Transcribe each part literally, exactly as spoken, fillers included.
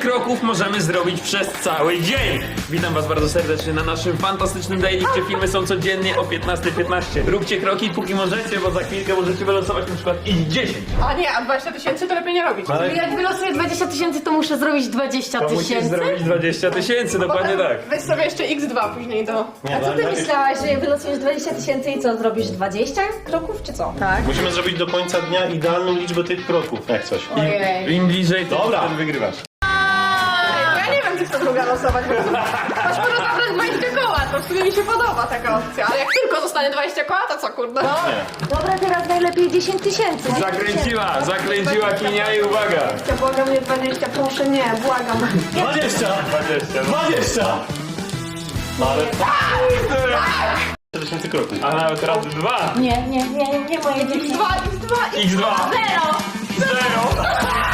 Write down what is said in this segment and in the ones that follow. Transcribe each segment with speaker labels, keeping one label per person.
Speaker 1: kroków możemy zrobić przez cały dzień. Witam was bardzo serdecznie na naszym fantastycznym daily, gdzie filmy są codziennie o piętnasta piętnaście. Róbcie kroki póki możecie, bo za chwilkę możecie wylosować na przykład ich dziesięć.
Speaker 2: A nie, a dwadzieścia tysięcy to lepiej nie robić.
Speaker 1: Ale
Speaker 3: Jak wylosuję dwadzieścia tysięcy, to muszę zrobić dwadzieścia
Speaker 1: to musisz
Speaker 3: tysięcy?
Speaker 1: zrobić dwadzieścia tysięcy, dokładnie tak.
Speaker 2: Weź sobie jeszcze iks dwa później do...
Speaker 3: A co ty myślałaś, że wylosujesz dwadzieścia tysięcy i co, zrobisz dwadzieścia kroków, czy co? Tak.
Speaker 4: Musimy zrobić do końca dnia idealną liczbę tych kroków, jak coś.
Speaker 1: Im, im bliżej, to
Speaker 4: Dobra.
Speaker 1: wtedy wygrywasz.
Speaker 2: Ja nie wiem, czy chcę druga losować, bo masz może zabrać dwadzieścia koła, to w sumie mi się podoba taka opcja. Ale jak tylko zostanie dwadzieścia koła, to co kurde? No.
Speaker 3: Dobra, teraz najlepiej dziesięć tysięcy.
Speaker 1: Zakręciła, zakręciła kinia i uwaga.
Speaker 2: Ja błagam, nie dwadzieścia, proszę nie, błagam.
Speaker 4: dwadzieścia!
Speaker 1: dwadzieścia.
Speaker 4: dwadzieścia! Ale tysięcy kroków.
Speaker 1: A nawet razy dwa.
Speaker 3: Nie, nie, nie, nie moje dzieci.
Speaker 2: Dwa, iks dwa,
Speaker 1: iks dwa.
Speaker 3: Zero!
Speaker 1: Zero.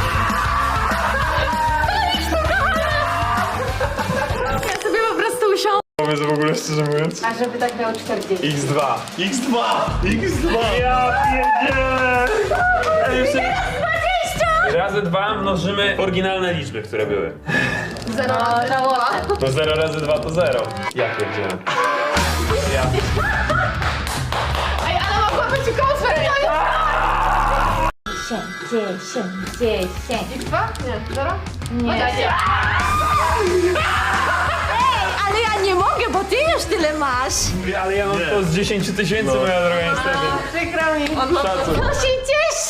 Speaker 3: Ja sobie po prostu usiądę.
Speaker 1: Pomysł w ogóle, szczerze mówiąc.
Speaker 3: A żeby tak miał czterdzieści.
Speaker 1: iks dwa.
Speaker 4: iks dwa! iks dwa!
Speaker 1: Ja pierdzielę! Ale jeszcze... Razy dwa mnożymy oryginalne liczby, które były.
Speaker 2: zero, razy dwa.
Speaker 1: To zero razy dwa to zero. Ja pierdzielę. Ja.
Speaker 2: Ej, ale mogła być kosmos!
Speaker 3: Dziesięć, dziesięć, dziesięć.
Speaker 2: iks dwa? Nie, zero?
Speaker 3: Nie.
Speaker 2: dwadzieścia.
Speaker 3: Ej, ale ja nie mogę, bo ty już tyle masz.
Speaker 1: Ale ja mam to z dziesięć tysięcy, moja droga, niestety.
Speaker 2: Przykro mi. On ma
Speaker 1: Szacun.
Speaker 3: To się cieszę.